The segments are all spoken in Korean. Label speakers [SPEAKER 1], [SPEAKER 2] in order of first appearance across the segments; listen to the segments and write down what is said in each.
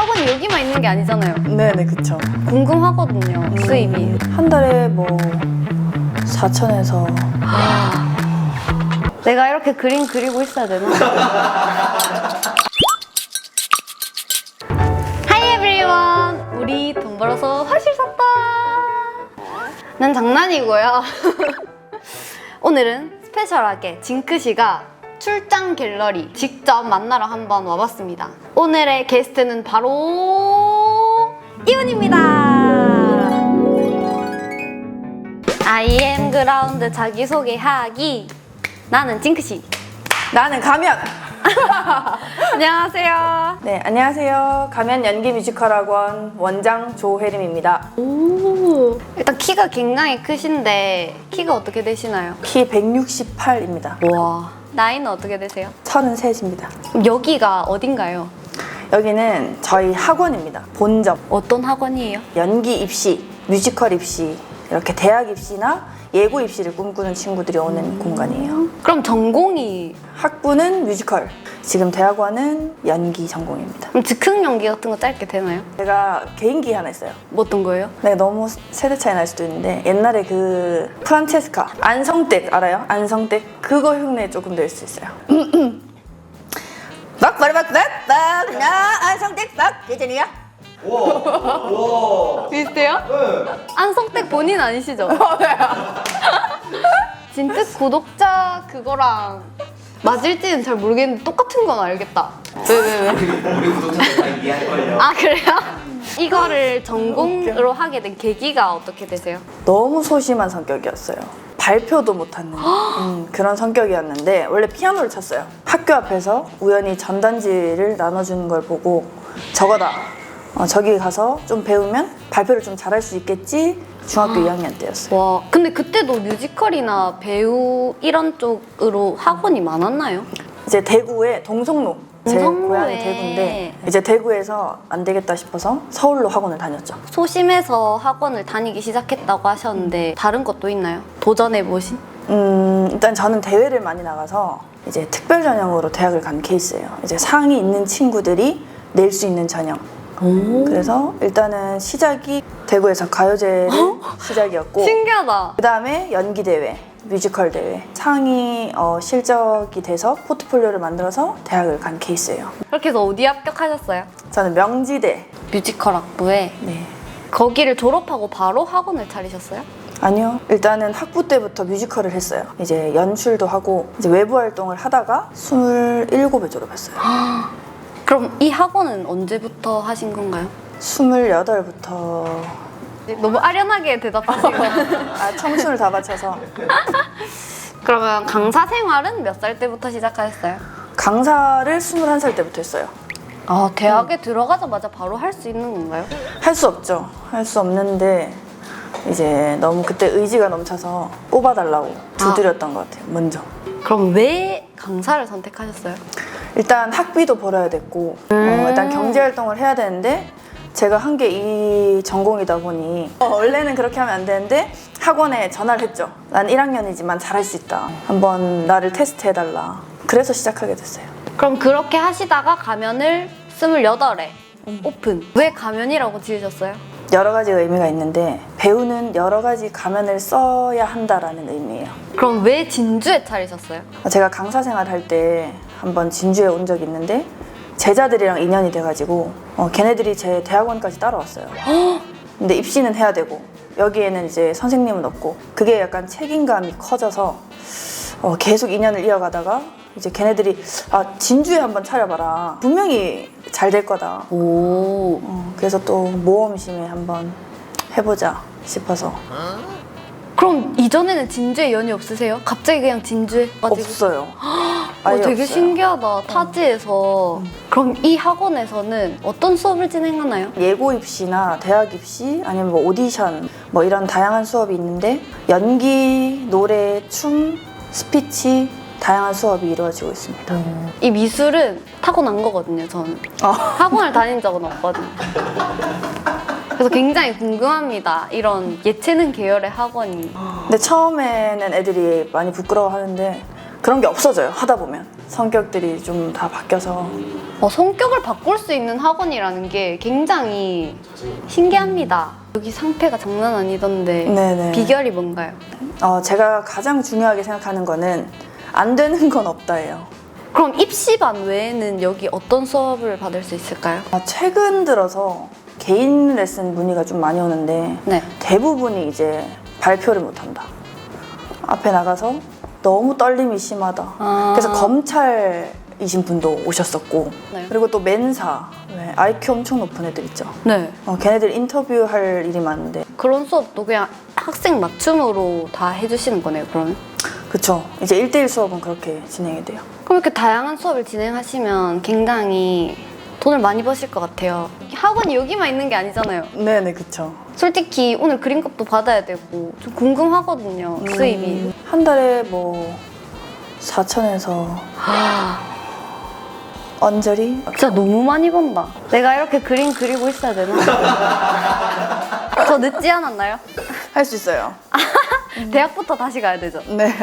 [SPEAKER 1] 학원이 여기만 있는 게 아니잖아요.
[SPEAKER 2] 네네, 그쵸.
[SPEAKER 1] 궁금하거든요, 수입이.
[SPEAKER 2] 한 달에 뭐 4천에서.
[SPEAKER 1] 내가 이렇게 그림 그리고 있어야 되나? Hi everyone! 우리 돈 벌어서 화실 샀다! 난 장난이고요. 오늘은 스페셜하게 징크씨가 출장 갤러리 직접 만나러 한번 와봤습니다. 오늘의 게스트는 바로 이훈입니다. I am 그라운드 자기소개하기. 나는 징크씨.
[SPEAKER 2] 나는 가면!
[SPEAKER 1] 안녕하세요.
[SPEAKER 2] 네, 안녕하세요. 가면 연기 뮤지컬 학원 원장 조혜림입니다.
[SPEAKER 1] 오. 일단 키가 굉장히 크신데 키가 어떻게 되시나요?
[SPEAKER 2] 키 168입니다.
[SPEAKER 1] 와. 나이는 어떻게 되세요?
[SPEAKER 2] 33입니다.
[SPEAKER 1] 그럼 여기가 어딘가요?
[SPEAKER 2] 여기는 저희 학원입니다. 본점.
[SPEAKER 1] 어떤 학원이에요?
[SPEAKER 2] 연기 입시, 뮤지컬 입시, 이렇게 대학 입시나 예고 입시를 꿈꾸는 친구들이 오는 공간이에요.
[SPEAKER 1] 그럼 전공이
[SPEAKER 2] 학부는 뮤지컬, 지금 대학원은 연기 전공입니다.
[SPEAKER 1] 그럼 즉흥 연기 같은 거 짧게 되나요?
[SPEAKER 2] 제가 개인기 하나 있어요.
[SPEAKER 1] 뭐 어떤 거예요?
[SPEAKER 2] 네, 너무 세대 차이 날 수도 있는데 옛날에 그 프란체스카 안성댁 알아요? 안성댁 그거 흉내 조금 낼 수 있어요. 막바르박박박 나 안성댁 박 예전이야.
[SPEAKER 1] 비슷해요? 네. 안성댁 본인 아니시죠? 진짜 구독자 그거랑 맞을지는 잘 모르겠는데 똑같은 건 알겠다. 왜?
[SPEAKER 3] 우리 구독자들 다 이해할걸요?
[SPEAKER 1] 아 그래요? 이거를 전공으로 하게 된 계기가 어떻게 되세요?
[SPEAKER 2] 너무 소심한 성격이었어요. 발표도 못하는 그런 성격이었는데 원래 피아노를 쳤어요. 학교 앞에서 우연히 전단지를 나눠주는 걸 보고 저거다. 저기 가서 좀 배우면 발표를 좀 잘할 수 있겠지. 중학교 2학년 때였어요.
[SPEAKER 1] 와, 근데 그때도 뮤지컬이나 배우 이런 쪽으로 학원이 많았나요?
[SPEAKER 2] 이제 대구에 동성로, 제
[SPEAKER 1] 동성로에.
[SPEAKER 2] 고향이 대구인데 이제 대구에서 안 되겠다 싶어서 서울로 학원을 다녔죠.
[SPEAKER 1] 소심해서 학원을 다니기 시작했다고 하셨는데 다른 것도 있나요? 도전해보신?
[SPEAKER 2] 일단 저는 대회를 많이 나가서 이제 특별 전형으로 대학을 간 케이스예요. 이제 상이 있는 친구들이 낼 수 있는 전형. 그래서 일단은 시작이 대구에서 가요제를 시작이었고
[SPEAKER 1] 신기하다.
[SPEAKER 2] 그 다음에 연기 대회, 뮤지컬 대회 상이 실적이 돼서 포트폴리오를 만들어서 대학을 간 케이스예요.
[SPEAKER 1] 그렇게 해서 어디 합격하셨어요?
[SPEAKER 2] 저는 명지대.
[SPEAKER 1] 뮤지컬 학부에.
[SPEAKER 2] 네. 거기를
[SPEAKER 1] 거기를 졸업하고 바로 학원을 차리셨어요?
[SPEAKER 2] 아니요. 일단은 학부 때부터 뮤지컬을 했어요. 이제 연출도 하고 이제 외부 활동을 하다가 27에 졸업했어요.
[SPEAKER 1] 그럼 이 학원은 언제부터 하신 건가요?
[SPEAKER 2] 28부터
[SPEAKER 1] 너무 아련하게 대답하시고.
[SPEAKER 2] 청춘을 다 바쳐서
[SPEAKER 1] 그러면 강사 생활은 몇 살 때부터 시작하셨어요?
[SPEAKER 2] 강사를 21살 때부터 했어요.
[SPEAKER 1] 아, 대학에 들어가자마자 바로 할 수 있는 건가요?
[SPEAKER 2] 할 수 없죠. 할 수 없는데 이제 너무 그때 의지가 넘쳐서 뽑아달라고 두드렸던 것 같아요. 먼저.
[SPEAKER 1] 그럼 왜 강사를 선택하셨어요?
[SPEAKER 2] 일단 학비도 벌어야 됐고 일단 경제활동을 해야 되는데 제가 한 게 이 전공이다 보니 원래는 그렇게 하면 안 되는데 학원에 전화를 했죠. 난 1학년이지만 잘할 수 있다. 한번 나를 테스트해달라. 그래서 시작하게 됐어요.
[SPEAKER 1] 그럼 그렇게 하시다가 가면을 28에 오픈. 왜 가면이라고 지으셨어요?
[SPEAKER 2] 여러 가지 의미가 있는데 배우는 여러 가지 가면을 써야 한다라는 의미예요.
[SPEAKER 1] 그럼 왜 진주에 차리셨어요?
[SPEAKER 2] 제가 강사 생활할 때 한번 진주에 온 적이 있는데 제자들이랑 인연이 돼가지고 걔네들이 제 대학원까지 따라왔어요. 근데 입시는 해야 되고 여기에는 이제 선생님은 없고 그게 약간 책임감이 커져서 계속 인연을 이어가다가 이제 걔네들이 진주에 한번 차려봐라. 분명히 잘 될 거다.
[SPEAKER 1] 오.
[SPEAKER 2] 그래서 또 모험심에 한번 해보자 싶어서.
[SPEAKER 1] 그럼 이전에는 진주에 연이 없으세요? 갑자기 그냥 진주에 가지고.
[SPEAKER 2] 없어요. 아예
[SPEAKER 1] 되게
[SPEAKER 2] 없어요.
[SPEAKER 1] 신기하다. 타지에서. 그럼 이 학원에서는 어떤 수업을 진행하나요?
[SPEAKER 2] 예고 입시나 대학 입시 아니면 뭐 오디션 뭐 이런 다양한 수업이 있는데 연기, 노래, 춤, 스피치 다양한 수업이 이루어지고 있습니다.
[SPEAKER 1] 이 미술은 타고난 거거든요, 저는. 학원을 다닌 적은 없거든요. 그래서 굉장히 궁금합니다. 이런 예체능 계열의 학원이.
[SPEAKER 2] 근데 처음에는 애들이 많이 부끄러워하는데 그런 게 없어져요. 하다 보면 성격들이 좀 다 바뀌어서
[SPEAKER 1] 성격을 바꿀 수 있는 학원이라는 게 굉장히 신기합니다. 여기 상태가 장난 아니던데
[SPEAKER 2] 네네.
[SPEAKER 1] 비결이 뭔가요?
[SPEAKER 2] 제가 가장 중요하게 생각하는 거는 안 되는 건 없다예요.
[SPEAKER 1] 그럼 입시반 외에는 여기 어떤 수업을 받을 수 있을까요?
[SPEAKER 2] 최근 들어서 개인 레슨 문의가 좀 많이 오는데
[SPEAKER 1] 네.
[SPEAKER 2] 대부분이 이제 발표를 못한다. 앞에 나가서 너무 떨림이 심하다. 그래서 검찰이신 분도 오셨었고
[SPEAKER 1] 네.
[SPEAKER 2] 그리고 또 멘사, IQ 엄청 높은 애들 있죠.
[SPEAKER 1] 네.
[SPEAKER 2] 걔네들 인터뷰할 일이 많은데
[SPEAKER 1] 그런 수업도 그냥 학생 맞춤으로 다 해주시는 거네요, 그러면?
[SPEAKER 2] 그쵸. 이제 1대1 수업은 그렇게 진행이 돼요.
[SPEAKER 1] 그럼 이렇게 다양한 수업을 진행하시면 굉장히 돈을 많이 버실 것 같아요. 학원이 여기만 있는 게 아니잖아요.
[SPEAKER 2] 네네, 그쵸.
[SPEAKER 1] 솔직히 오늘 그림값도 받아야 되고 좀 궁금하거든요, 수입이.
[SPEAKER 2] 한 달에 뭐 4천에서 언저리?
[SPEAKER 1] 진짜 너무 많이 번다. 내가 이렇게 그림 그리고 있어야 되나? 저 늦지 않았나요?
[SPEAKER 2] 할 수 있어요.
[SPEAKER 1] 대학부터 다시 가야 되죠?
[SPEAKER 2] 네.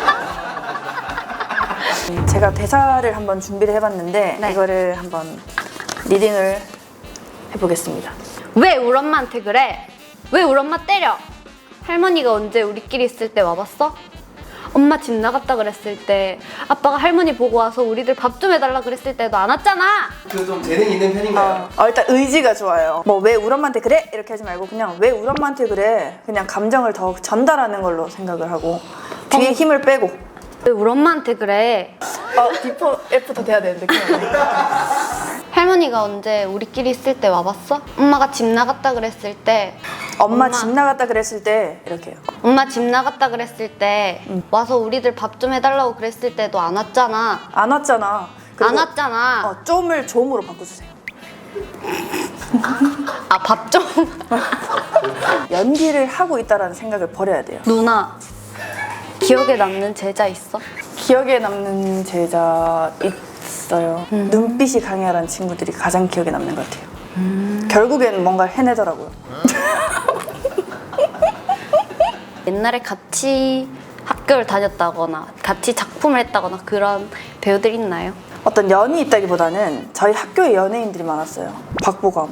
[SPEAKER 2] 제가 대사를 한번 준비를 해봤는데
[SPEAKER 1] 네.
[SPEAKER 2] 이거를 한번 리딩을 해보겠습니다.
[SPEAKER 1] 왜 우리 엄마한테 그래? 왜 우리 엄마 때려? 할머니가 언제 우리끼리 있을 때 와봤어? 엄마 집 나갔다 그랬을 때 아빠가 할머니 보고 와서 우리들 밥 좀 해달라 그랬을 때도 안 왔잖아.
[SPEAKER 3] 그 좀 재능 있는 편인가요?
[SPEAKER 2] 일단 의지가 좋아요. 뭐 왜 우리 엄마한테 그래? 이렇게 하지 말고 그냥 왜 우리 엄마한테 그래? 그냥 감정을 더 전달하는 걸로 생각을 하고 뒤에 힘을 빼고
[SPEAKER 1] 왜 우리 엄마한테 그래?
[SPEAKER 2] 비포 애프터 돼야 되는데 그냥
[SPEAKER 1] 할머니가 언제 우리끼리 있을 때 와봤어? 엄마가 집 나갔다 그랬을 때
[SPEAKER 2] 엄마 집 나갔다 그랬을 때 이렇게 해요.
[SPEAKER 1] 엄마 집 나갔다 그랬을 때 와서 우리들 밥 좀 해달라고 그랬을 때도 안 왔잖아.
[SPEAKER 2] 안 왔잖아. 그리고
[SPEAKER 1] 안 왔잖아.
[SPEAKER 2] 좀을 좀으로 바꿔주세요.
[SPEAKER 1] 밥 좀.
[SPEAKER 2] 연기를 하고 있다라는 생각을 버려야 돼요.
[SPEAKER 1] 누나 기억에 남는 제자 있어?
[SPEAKER 2] 기억에 남는 제자 있어요. 눈빛이 강렬한 친구들이 가장 기억에 남는 것 같아요. 결국엔 뭔가 해내더라고요.
[SPEAKER 1] 옛날에 같이 학교를 다녔다거나 같이 작품을 했다거나 그런 배우들 있나요?
[SPEAKER 2] 어떤 연이 있다기보다는 저희 학교에 연예인들이 많았어요. 박보검,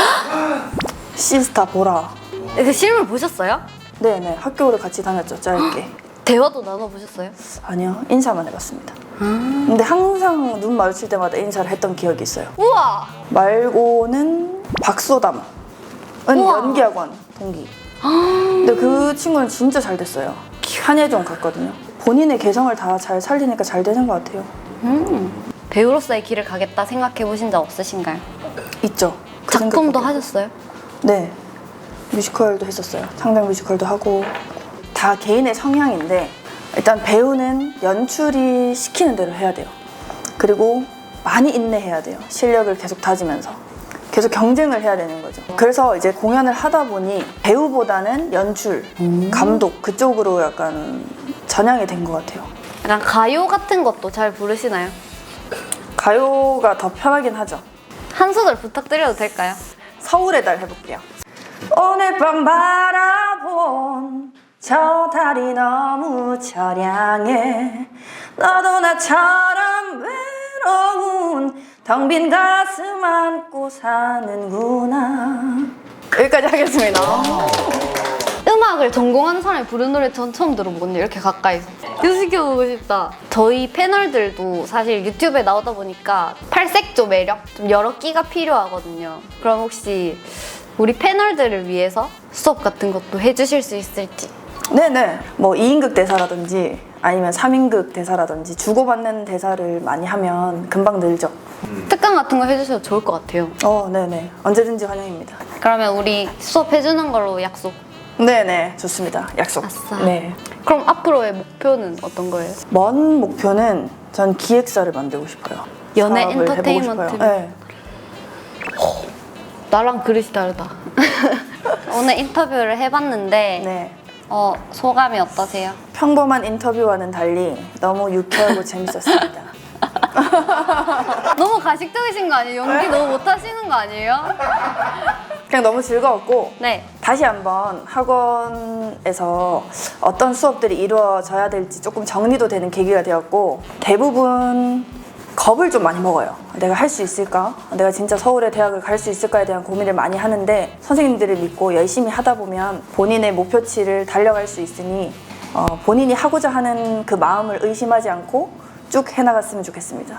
[SPEAKER 2] 시스타 보라.
[SPEAKER 1] 그 실물 보셨어요?
[SPEAKER 2] 네네, 학교를 같이 다녔죠, 짧게.
[SPEAKER 1] 대화도 나눠보셨어요?
[SPEAKER 2] 아니요, 인사만 해봤습니다. 근데 항상 눈 마주칠 때마다 인사를 했던 기억이 있어요.
[SPEAKER 1] 우와!
[SPEAKER 2] 말고는 박소담은
[SPEAKER 1] 우와.
[SPEAKER 2] 연기학원 동기. 근데 그 친구는 진짜 잘 됐어요. 한예종 갔거든요. 본인의 개성을 다 잘 살리니까 잘 되는 것 같아요.
[SPEAKER 1] 배우로서의 길을 가겠다 생각해 보신 적 없으신가요?
[SPEAKER 2] 있죠. 그
[SPEAKER 1] 작품도
[SPEAKER 2] 생각밖에.
[SPEAKER 1] 하셨어요?
[SPEAKER 2] 네, 뮤지컬도 했었어요. 상당 뮤지컬도 하고. 다 개인의 성향인데 일단 배우는 연출이 시키는 대로 해야 돼요. 그리고 많이 인내해야 돼요. 실력을 계속 다지면서 계속 경쟁을 해야 되는 거죠. 그래서 이제 공연을 하다 보니 배우보다는 연출, 감독 그쪽으로 약간 전향이 된 것 같아요.
[SPEAKER 1] 약간 가요 같은 것도 잘 부르시나요?
[SPEAKER 2] 가요가 더 편하긴 하죠.
[SPEAKER 1] 한 소절 부탁드려도 될까요?
[SPEAKER 2] 서울의 달 해볼게요. 오늘 밤 바라본 저 달이 너무 처량해. 너도 나처럼 외로운 텅 빈 가슴 안고 사는구나. 여기까지 하겠습니다.
[SPEAKER 1] 음악을 전공하는 사람이 부르는 노래 전 처음 들어보거든요. 이렇게 가까이서. 연습해보고 싶다. 저희 패널들도 사실 유튜브에 나오다 보니까 팔색조 매력? 좀 여러 끼가 필요하거든요. 그럼 혹시 우리 패널들을 위해서 수업 같은 것도 해주실 수 있을지?
[SPEAKER 2] 네네. 뭐 2인극 대사라든지 아니면 3인극 대사라든지 주고받는 대사를 많이 하면 금방 늘죠.
[SPEAKER 1] 특강 같은 거 해주셔도 좋을 것 같아요.
[SPEAKER 2] 네네. 언제든지 환영입니다.
[SPEAKER 1] 그러면 우리 수업 해주는 걸로 약속.
[SPEAKER 2] 네네. 좋습니다. 약속.
[SPEAKER 1] 아싸.
[SPEAKER 2] 네.
[SPEAKER 1] 그럼 앞으로의 목표는 어떤 거예요?
[SPEAKER 2] 먼 목표는 전 기획사를 만들고 싶어요.
[SPEAKER 1] 연예
[SPEAKER 2] 사업을 해보고
[SPEAKER 1] 엔터테인먼트.
[SPEAKER 2] 싶어요. 네.
[SPEAKER 1] 나랑 그릇이 다르다. 오늘 인터뷰를 해봤는데
[SPEAKER 2] 네.
[SPEAKER 1] 소감이 어떠세요?
[SPEAKER 2] 평범한 인터뷰와는 달리 너무 유쾌하고 재밌었습니다.
[SPEAKER 1] 너무 가식적이신 거 아니에요? 연기 너무 못하시는 거 아니에요?
[SPEAKER 2] 그냥 너무 즐거웠고
[SPEAKER 1] 네.
[SPEAKER 2] 다시 한번 학원에서 어떤 수업들이 이루어져야 될지 조금 정리도 되는 계기가 되었고 대부분 겁을 좀 많이 먹어요. 내가 할 수 있을까? 내가 진짜 서울의 대학을 갈 수 있을까에 대한 고민을 많이 하는데 선생님들을 믿고 열심히 하다 보면 본인의 목표치를 달려갈 수 있으니 본인이 하고자 하는 그 마음을 의심하지 않고 쭉 해나갔으면 좋겠습니다.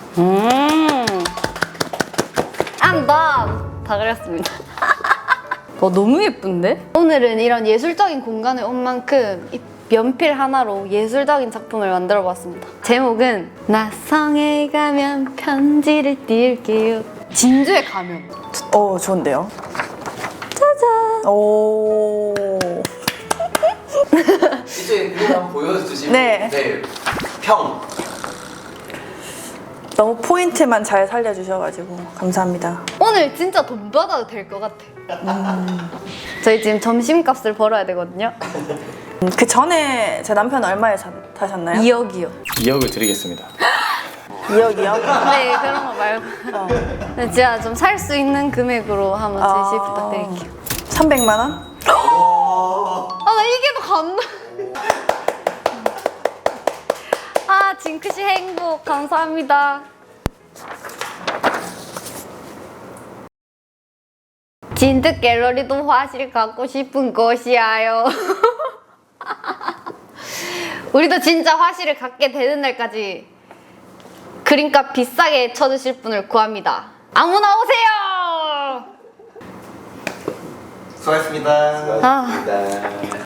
[SPEAKER 1] I'm done! 다 그렸습니다. 너무 예쁜데? 오늘은 이런 예술적인 공간에 온 만큼 이 연필 하나로 예술적인 작품을 만들어 봤습니다. 제목은 나성에 가면 편지를 띄울게요. 진주에 가면.
[SPEAKER 2] 좋은데요?
[SPEAKER 1] 짜잔!
[SPEAKER 2] 오.
[SPEAKER 3] 이쪽에 그림 한번 보여주시면
[SPEAKER 2] 네.
[SPEAKER 3] 평.
[SPEAKER 2] 너무 포인트만 잘 살려주셔가지고 감사합니다.
[SPEAKER 1] 오늘 진짜 돈 받아도 될 것 같아. 저희 지금 점심값을 벌어야 되거든요.
[SPEAKER 2] 그 전에 제 남편 얼마에 타셨나요?
[SPEAKER 1] 2억이요.
[SPEAKER 4] 2억을 드리겠습니다.
[SPEAKER 2] 2억이요?
[SPEAKER 1] 네, 그런 거 말고. 근데 진짜 좀 살 수 있는 금액으로 한번 제시 부탁드릴게요.
[SPEAKER 2] 300만 원?
[SPEAKER 1] 나 이게 더 감동. 징크씨 행복 감사합니다. 진드 갤러리도 화실 갖고 싶은 것이야요. 우리도 진짜 화실을 갖게 되는 날까지 그림값 비싸게 쳐주실 분을 구합니다. 아무나 오세요.
[SPEAKER 3] 수고하셨습니다.
[SPEAKER 1] 아.